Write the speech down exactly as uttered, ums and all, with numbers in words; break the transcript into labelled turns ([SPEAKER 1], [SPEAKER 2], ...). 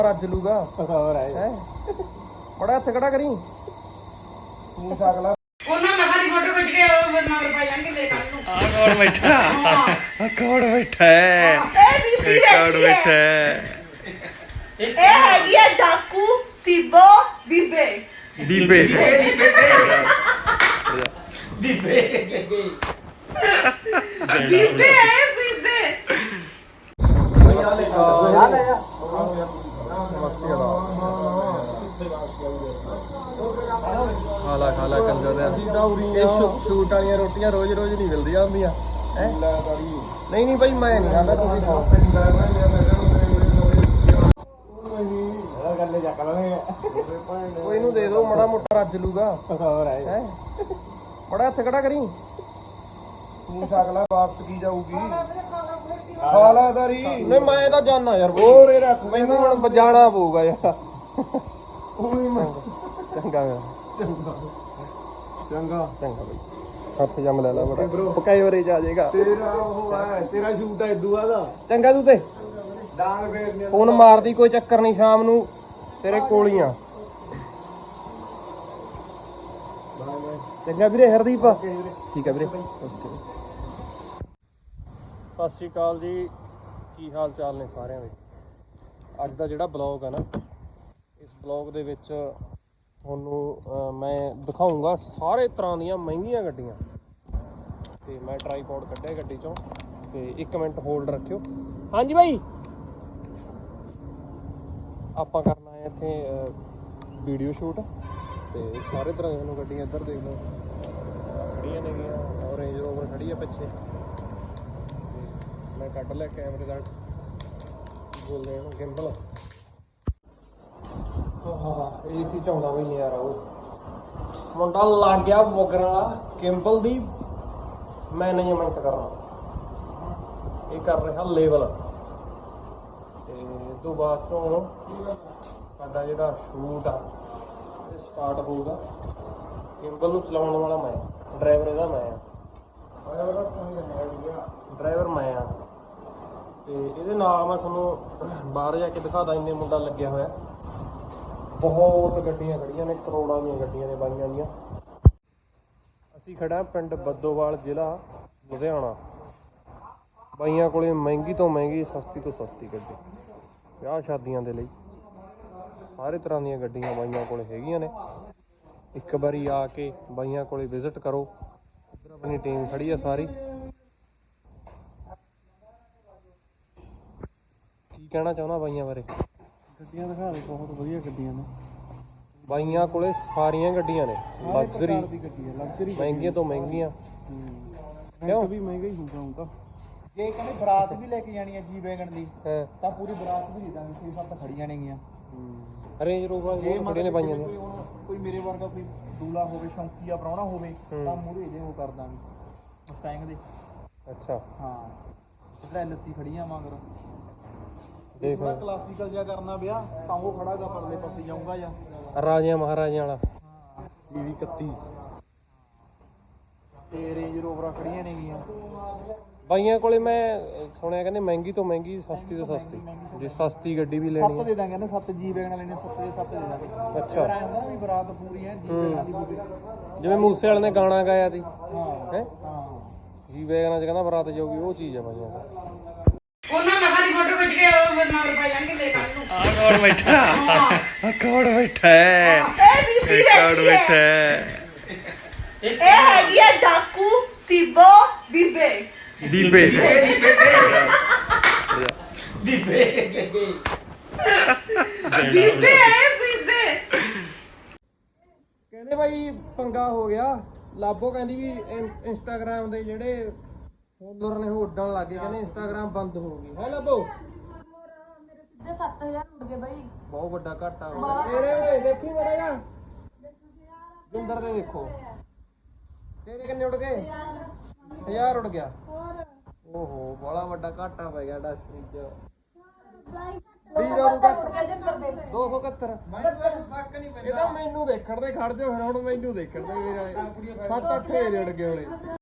[SPEAKER 1] ਰੱਜ ਲੂਗਾ ਹੋਰ ਹੈ ਬੜਾ ਹੱਥ ਖੜਾ ਕਰੀ ਤੂੰ ਸਕਲਾ
[SPEAKER 2] ਉਹਨਾਂ ਮਖਾ ਦੀ ਫੋਟੋ ਖਿੱਚ ਕੇ ਉਹ ਮਗਰ ਪਾ ਜਾਣਗੇ ਮੇਰੇ ਕੱਲ ਨੂੰ।
[SPEAKER 1] ਆ ਕੌਣ ਬੈਠਾ ਆ ਕੌਣ ਬੈਠਾ ਹੈ
[SPEAKER 2] ਇਹ ਬੀਬੀ
[SPEAKER 1] ਕੌਣ
[SPEAKER 2] ਬੈਠੀ
[SPEAKER 1] ਬੈਠਾ
[SPEAKER 2] ਹੈ।
[SPEAKER 1] ਹੈ
[SPEAKER 2] ਇਹ ਹੈਗੀ ਆ ਡਾਕੂ ਸਿਬੋ ਬੀਬੇ
[SPEAKER 1] ਬੀਬੇ
[SPEAKER 2] ਬੀਬੇ ਬੀਬੇ ਬੀਬੇ
[SPEAKER 1] ਖਾਲਾ ਖਾਲਾ ਕੰਜਰ ਦੇ ਇਹ ਸ਼ੂਟ ਵਾਲੀਆਂ ਰੋਟੀਆਂ ਰੋਜ਼ ਰੋਜ਼ ਨਹੀਂ ਮਿਲਦੀਆਂ ਹੁੰਦੀਆਂ ਨਹੀਂ ਨਹੀਂ ਭਾਈ ਮੈਂ ਨਹੀਂ ਖਾਂਦਾ ਤੁਸੀਂ ਖਾਓ ਉਹ ਇਹਨੂੰ ਦੇ ਦਿਓ ਮਾੜਾ ਮੋਟਾ ਰੱਜ ਲੂਗਾ ਹੈ ਬੜਾ ਹੱਥ ਖੜਾ ਕਰੀ ਤੂੰ ਸਕਲਾ ਵਾਪਸ ਕੀ ਜਾਊਗੀ ਖਾਲਾਦਾਰੀ ਨਹੀਂ ਮੈਂ ਤਾਂ ਜਾਣਾ ਯਾਰ ਹੋਰ ਇਹ ਰੱਖ ਮੈਨੂੰ ਹੁਣ ਬਜਾਣਾ ਪਊਗਾ ਯਾਰ ਚੰਗਾ ਚੰਗਾ ਚੰਗਾ ਚੰਗਾ ਬਈ ਹੱਥ ਜੰਮ ਲੈ ਲਾ ਬੜਾ ਪਕਾਈ ਵਰੇ ਜਾ ਜਾਏਗਾ ਤੇਰਾ ਉਹ ਹੈ ਤੇਰਾ ਸ਼ੂਟ ਹੈ ਦੂਆ ਦਾ ਚੰਗਾ ਤੂੰ ਤੇ ਡਾਂਗ ਫੇਰਨੀ ਫੋਨ ਮਾਰਦੀ ਕੋਈ ਚੱਕਰ ਨਹੀਂ ਸ਼ਾਮ ਨੂੰ ਤੇਰੇ ਕੋਲੀਆਂ ਚੰਗਾ ਵੀਰੇ ਹਰਦੀਪ ਠੀਕ ਹੈ ਵੀਰੇ ਓਕੇ ਸਤਿ ਸ਼੍ਰੀ ਅਕਾਲ ਜੀ ਕੀ ਹਾਲ ਚਾਲ ਨੇ ਸਾਰਿਆਂ ਦੇ ਅੱਜ ਦਾ ਜਿਹੜਾ ਬਲੌਗ ਹੈ ਨਾ ਇਸ ਬਲੌਗ ਦੇ ਵਿੱਚ ਤੁਹਾਨੂੰ ਮੈਂ ਦਿਖਾਊਂਗਾ ਸਾਰੇ ਤਰ੍ਹਾਂ ਦੀਆਂ ਮਹਿੰਗੀਆਂ ਗੱਡੀਆਂ ਤੇ ਮੈਂ ਟਰਾਈਪੋਡ ਕੱਢਿਆ ਗੱਡੀ ਚੋਂ ਤੇ ਇੱਕ ਮਿੰਟ ਹੋਲਡ ਰੱਖਿਓ ਹਾਂਜੀ ਬਾਈ ਆਪਾਂ ਕਰਨਾ ਹੈ ਇੱਥੇ ਵੀਡੀਓ ਸ਼ੂਟ ਤੇ ਸਾਰੇ ਤਰ੍ਹਾਂ ਦੀਆਂ ਗੱਡੀਆਂ ਇੱਧਰ ਦੇਖ ਲਓ ਖੜੀਆਂ ਨੇਗੀਆਂ ਔਰ ਰੇਂਜ ਰੋਵਰ ਖੜੀ ਆ ਪਿੱਛੇ ਮੈਂ ਕੱਢ ਲਿਆ ਕੈਮਰੇ ਦਾ ਬੋਲਦੇ ਇਹਨੂੰ ਗਿੰਬਲ ਏ ਸੀ ਚਾਉਂਦਾ ਬਈ ਨਜ਼ਾਰਾ ਉਹ ਮੁੰਡਾ ਲੱਗ ਗਿਆ ਵਗਰ ਵਾਲਾ ਗਿੰਬਲ ਦੀ ਮੈਨੇਜਮੈਂਟ ਕਰਨਾ ਇਹ ਕਰ ਰਿਹਾ ਲੇਵਲ ਤੇ ਇਸ ਤੋਂ ਬਾਅਦ ਚੋਂ ਸਾਡਾ ਜਿਹੜਾ ਸ਼ੂਟ ਆ ਇਹ ਸਟਾਰਟ ਹੋਊਗਾ ਗਿੰਬਲ ਨੂੰ ਚਲਾਉਣ ਵਾਲਾ ਮੈਂ ਡਰਾਈਵਰ ਇਹਦਾ ਮੈਂ ਆ ਡਰਾਈਵਰ ਮੈਂ ਆ ਤੇ ਇਹਦੇ ਨਾਲ ਮੈਂ ਤੁਹਾਨੂੰ ਬਾਹਰ ਜਾ ਕੇ ਦਿਖਾਦਾ ਇੰਨੇ ਮੁੰਡਾ ਲੱਗਿਆ ਹੋਇਆ ਬਹੁਤ ਗੱਡੀਆਂ ਖੜੀਆਂ ਨੇ ਕਰੋੜਾਂ ਦੀਆਂ ਗੱਡੀਆਂ ਨੇ ਬਾਈਆਂ ਦੀਆਂ ਅਸੀਂ ਖੜਾ ਪਿੰਡ ਬੱਦੋਵਾਲ ਜ਼ਿਲ੍ਹਾ ਲੁਧਿਆਣਾ ਬਾਈਆਂ ਕੋਲੇ ਮਹਿੰਗੀ ਤੋਂ ਮਹਿੰਗੀ ਸਸਤੀ ਤੋਂ ਸਸਤੀ ਗੱਡੀ ਵਿਆਹ ਸ਼ਾਦੀਆਂ ਦੇ ਲਈ ਸਾਰੇ ਤਰ੍ਹਾਂ ਦੀਆਂ ਗੱਡੀਆਂ ਬਾਈਆਂ ਕੋਲੇ ਹੈਗੀਆਂ ਨੇ ਇੱਕ ਵਾਰੀ ਆ ਕੇ ਬਾਈਆਂ ਕੋਲੇ ਵਿਜ਼ਿਟ ਕਰੋ ਇੱਧਰ ਆਪਣੀ ਟੀਮ ਖੜੀ ਆ ਸਾਰੀ ਕੀ ਕਹਿਣਾ ਚਾਹੁੰਦਾ ਬਾਈਆਂ ਬਾਰੇ ਗੱਡੀਆਂ ਦਿਖਾ ਦੇ ਬਹੁਤ ਵਧੀਆ ਗੱਡੀਆਂ ਨੇ ਬਾਈਆਂ ਕੋਲੇ ਸਾਰੀਆਂ ਗੱਡੀਆਂ ਨੇ ਲਗਜ਼ਰੀ ਮਹਿੰਗੀਆਂ ਤੋਂ ਮਹਿੰਗੀਆਂ ਕਿਉਂ ਵੀ ਮਹਿੰਗਾ ਹੀ ਹੋਊਗਾ ਹੁਣ ਤਾਂ
[SPEAKER 3] ਜੇ ਕਹਿੰਦੇ ਬਰਾਤ ਵੀ ਲੈ ਕੇ ਜਾਣੀ ਹੈ ਜੀ ਵੈਗਨ ਦੀ ਤਾਂ ਪੂਰੀ ਬਰਾਤ ਵੀ ਦੇ ਦਾਂਗੇ ਛੇ ਸੱਤ ਖੜੀਆਂ ਨੇਗੀਆਂ
[SPEAKER 1] ਰੇਂਜ ਰੋਵਰ ਇਹ ਖੜੇ ਨੇ ਬਾਈਆਂ ਨੇ
[SPEAKER 3] ਕੋਈ ਮੇਰੇ ਵਰਗਾ ਕੋਈ ਦੂਲਾ ਹੋਵੇ ਸ਼ੌਂਕੀਆ ਪ੍ਰਾਹੁਣਾ ਹੋਵੇ ਤਾਂ ਮੂਹਰੇ ਇਹਦੇ ਉਹ ਕਰ ਦਾਂਗੇ ਮਸਟੈਂਗ ਦੇ
[SPEAKER 1] ਅੱਛਾ ਹਾਂ
[SPEAKER 3] ਇਧਰ ਐਲਸੀ ਖੜੀਆਂ ਮਗਰ
[SPEAKER 1] ਦੇਖ
[SPEAKER 3] ਥੋੜਾ ਕਲਾਸੀਕਲ ਜਿਹਾ ਕਰਨਾ ਵਿਆਹ ਤਾਂ ਉਹ ਖੜਾਗਾ ਪਰਲੇ ਪਾਸੇ ਜਾਊਗਾ ਜਾਂ
[SPEAKER 1] ਰਾਜਿਆਂ ਮਹਾਰਾਜਿਆਂ ਵਾਲਾ
[SPEAKER 3] ਹਾਂ ਵੀਹ ਇਕੱਤੀ ਤੇ ਰੇਂਜ ਰੋਵਰਾਂ ਖੜੀਆਂ ਨੇਗੀਆਂ
[SPEAKER 1] ਬਾਈਆਂ ਕੋਲੇ ਮੈਂ ਸੁਣਿਆ ਕਹਿੰਦੇ ਮਹਿੰਗੀ ਤੋਂ ਮਹਿੰਗੀ ਸਸਤੀ ਤੋਂ ਸਸਤੀ ਜੇ ਸਸਤੀ ਗੱਡੀ ਵੀ ਲੈਣੀ
[SPEAKER 3] ਸੱਤ ਦੇ ਦਾਂਗੇ ਨਾ ਸੱਤ ਜੀ ਵੈਗਨ ਵਾਲੇ ਨੇ ਸੱਤ ਦੇ ਸੱਤ ਦੇ ਦਾਂਗੇ
[SPEAKER 1] ਅੱਛਾ
[SPEAKER 3] ਐਂ ਹੁੰਦਾ ਨਾ ਵੀ ਬਰਾਤ ਪੂਰੀ ਹੈ ਜੀ ਵੈਗਨ ਦੀ ਹੋਵੇ
[SPEAKER 1] ਜਿਵੇਂ ਮੂਸੇ ਵਾਲੇ ਨੇ ਗਾਣਾ ਗਾਇਆ ਸੀ
[SPEAKER 3] ਹਾਂ
[SPEAKER 1] ਹੈ
[SPEAKER 3] ਹਾਂ
[SPEAKER 1] ਜੀ ਵੈਗਨਾਂ ਚ ਕਹਿੰਦਾ ਬਰਾਤ ਜਾਊਗੀ ਉਹ ਚੀਜ਼ ਆ ਬਾਈਆਂ ਕੋਲ
[SPEAKER 2] ਉਹਨਾਂ ਮਖਾ ਦੀ ਫੋਟੋ ਖਿੱਚ ਕੇ ਉਹ ਮਗਰ ਪਾ ਜਾਣਗੇ ਮੇਰੇ ਕੱਲ ਨੂੰ।
[SPEAKER 1] ਆ ਕੌਣ ਬੈਠਾ ਆ ਕੌਣ ਬੈਠਾ ਹੈ
[SPEAKER 2] ਇਹ ਬੀਬੀ
[SPEAKER 1] ਕੌਣ
[SPEAKER 2] ਬੈਠੀ
[SPEAKER 1] ਬੈਠਾ
[SPEAKER 2] ਹੈ।
[SPEAKER 1] ਹੈ
[SPEAKER 2] ਇਹ ਹੈਗੀ ਆ ਡਾਕੂ ਸਿਬੋ ਬੀਬੇ
[SPEAKER 1] ਬੀਬੇ
[SPEAKER 2] ਬੀਬੇ ਬੀਬੇ ਬੀਬੇ
[SPEAKER 1] ਕਹਿੰਦੇ ਭਾਈ ਪੰਗਾ ਹੋ ਗਿਆ ਲਾਬੋ ਕਹਿੰਦੀ ਵੀ ਇੰਸਟਾਗ੍ਰਾਮ ਦੇ ਜਿਹੜੇ ਫੋਲੋਅਰ ਨੇ ਉਹ ਉੱਡਣ ਲੱਗ ਗਏ ਕਹਿੰਦੇ ਇੰਸਟਾਗ੍ਰਾਮ ਬੰਦ ਹੋ ਗਈ ਹੈ ਲਾਬੋ
[SPEAKER 4] ਮੇਰੇ ਸਿੱਧੇ ਸੱਤ ਹਜ਼ਾਰ ਉੱਡ ਗਏ ਬਾਈ
[SPEAKER 1] ਬਹੁਤ ਵੱਡਾ ਘਾਟਾ ਹੋ ਗਿਆ ਤੇਰੇ ਦੇਖੀ ਮੜਾ ਜਾ ਬਿੰਦਰ ਦੇ ਦੇਖੋ ਤੇਰੇ ਕਿੰਨੇ ਉੱਡ ਗਏ ਹਜ਼ਾਰ ਉੱਡ ਗਿਆ ਓਹੋ ਬੜਾ ਵੱਡਾ ਘਾਟਾ ਪੈ ਗਿਆ ਇੰਡਸਟਰੀ 'ਚ ਦੋ ਸੌ ਇਕਹੱਤਰ ਇਹ ਤਾਂ ਮੈਨੂੰ ਦੇਖਣ ਦੇ ਖੜ ਜਾ ਫਿਰ ਹੁਣ ਮੈਨੂੰ ਦੇਖਣ ਦੇ ਸੱਤ ਅੱਠ ਹਜ਼ਾਰ ਉੱਡ ਗਏ ਹੋਣੇ